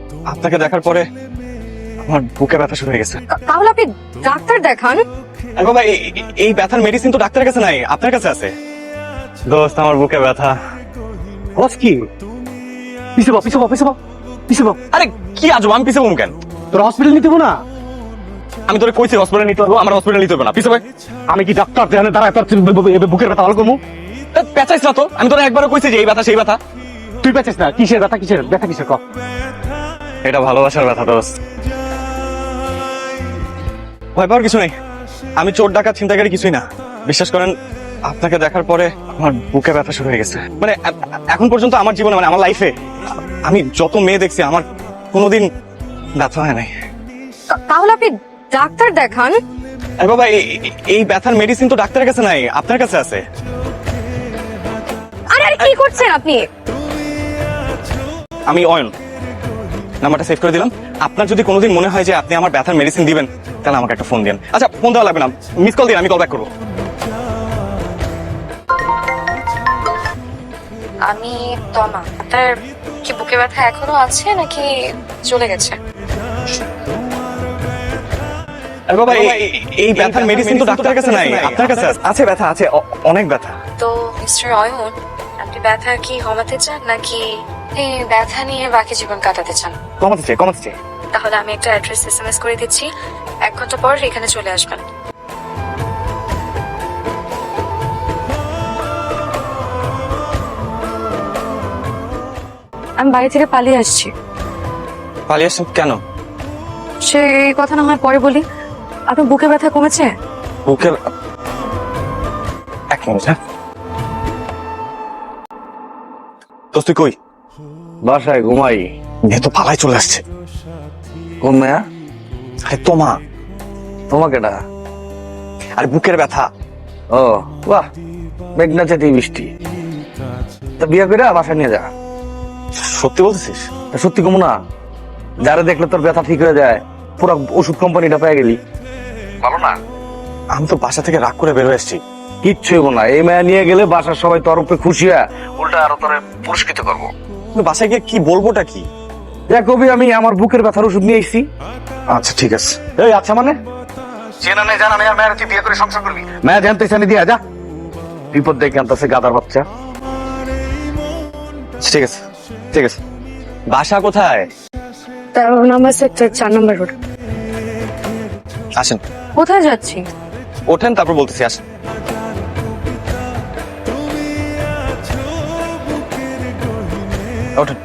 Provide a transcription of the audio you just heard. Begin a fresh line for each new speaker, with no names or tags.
আপনাকে দেখার পরে আমার বুকে ব্যথা শুরু হয়ে গেছে।
তাহলে আপনি ডাক্তার দেখান।
আরে বাবা, এই ব্যথার মেডিসিন তো ডাক্তারের কাছে নাই, আপনার কাছে আছে। দোস্ত, আমার বুকে ব্যথা।
বস কি পিছে বাপ পিছে বাপ পিছে বাপ পিছে বাপ।
আরে কি আজব, আমি পিছে বলবো কেন?
তোর হসপিটাল নিতে না?
আমি তোরে কইছি হসপিটালে নিতে হবে, আমার হসপিটালে নিতে হবে না, পিছে ভাই।
আমি কি ডাক্তার দেখানে দাঁড়ায় তোর বুকের ব্যথা ভালো করবো?
পেঁচাইছ না তো, আমি তোরা একবারও কইছি যে এই ব্যথা সেই ব্যথা।
তুই পেঁচিস না, কিসের ব্যথা কিসের ব্যথা কিসের ক?
এটা ভালোবাসার ব্যথা দোস্ত। ভয় পাওয়ার কিছু নেই, আমি চোর ডাকাত ছিনতাইকারী কিছুই না। বিশ্বাস করেন, আপনাকে দেখার পরে আমার বুকে ব্যথা শুরু হয়ে গেছে। মানে এখন পর্যন্ত আমার জীবনে, মানে আমার লাইফে আমি যত মেয়ে দেখছি, আমার কোনোদিন ব্যথা হয় নাই।
তাহলে আপনি ডাক্তার দেখান।
আরে বাবা, এই ব্যথার মেডিসিন তো ডাক্তারের কাছে নাই, আপনার কাছে আছে।
আরে আরে কি করছেন আপনি?
আমি অয়ন, নাম্বারটা সেভ করে দিলাম। আপনার যদি কোনোদিন মনে হয় যে আপনি আমার ব্যথার মেডিসিন দিবেন, তাহলে আমাকে একটা ফোন দিন। আচ্ছা, ফোন দেওয়া লাগবে না, মিস কল দিন, আমি কল ব্যাক করবো।
আমি তমা। আপনার কি বুকে ব্যথা এখনো আছে নাকি চলে গেছে?
আরে বাবা, এই ব্যথার মেডিসিন তো ডাক্তারের কাছে নাই, আপনার কাছে আছে। ব্যথা আছে, অনেক ব্যথা।
তো মিস্টার অয়ন, আপনি ব্যথা কি কমাতে চান নাকি এই ব্যথা নিয়ে বাকি জীবন কাটাতে চান?
কমাতে চাই, কমাতে চাই।
তাহলে আমি একটা অ্যাড্রেস এসএমএস করে দিচ্ছি, 1 ঘন্টা পর এখানে চলে আসবেন। আমি বাড়ি থেকে পালিয়ে আসছি।
পালিয়ে আসছেন কেন?
সে এই কথা না হয় পরে বলি। আপনার বুকে ব্যথা কমেছে?
বুকের, এক মিনিট। হ্যাঁ দোস্ত, তুই কই?
বাসায় ঘুমাই।
মেয়ে তো পালাই চলে আসছে।
কোন মেয়া?
আরে তোমা।
তোমাকে ডা?
আরে বুকের ব্যথা।
ও বাহ, মেঘনা চাতি বৃষ্টি। তা বিয়ে করে বাসায় নিয়ে যা।
সত্যি বলতেছিস?
তা সত্যি কমু না? যারা দেখলে তোর ব্যথা ঠিক হয়ে যায়, পুরো ওষুধ কোম্পানিটা পেয়ে গেলি। ভালো না?
আমি তো বাসা থেকে রাগ করে বের হয়ে এসেছি।
কিচ্ছু হইব না, এই মেয়া নিয়ে গেলে বাসার সবাই তোর উপরে খুশি হয়, উল্টা আরো তোরে পুরস্কৃত করবো।
কিন্তু বাসায় গিয়ে কি বলবোটা কি?
দেখ কবি, আমি আমার বুকের ব্যথার ওষুধ নিয়ে এসেছি।
আচ্ছা ঠিক আছে।
এই আচ্ছা মানে চেনা নেই জানা নেই, আর মেয়ের তুই বিয়ে করে সংসার করবি? মেয়া জানতে চানি দিয়া যা, বিপদ দেখে আনতেছে গাদার বাচ্চা।
ঠিক আছে, ঠিক আছে। বাসা কোথায়?
13 নম্বর সেক্টর, 4 নম্বর রোড।
আসেন।
কোথায় যাচ্ছি?
ওঠেন, তারপর বলতেছি, আসেন। ওঠেন।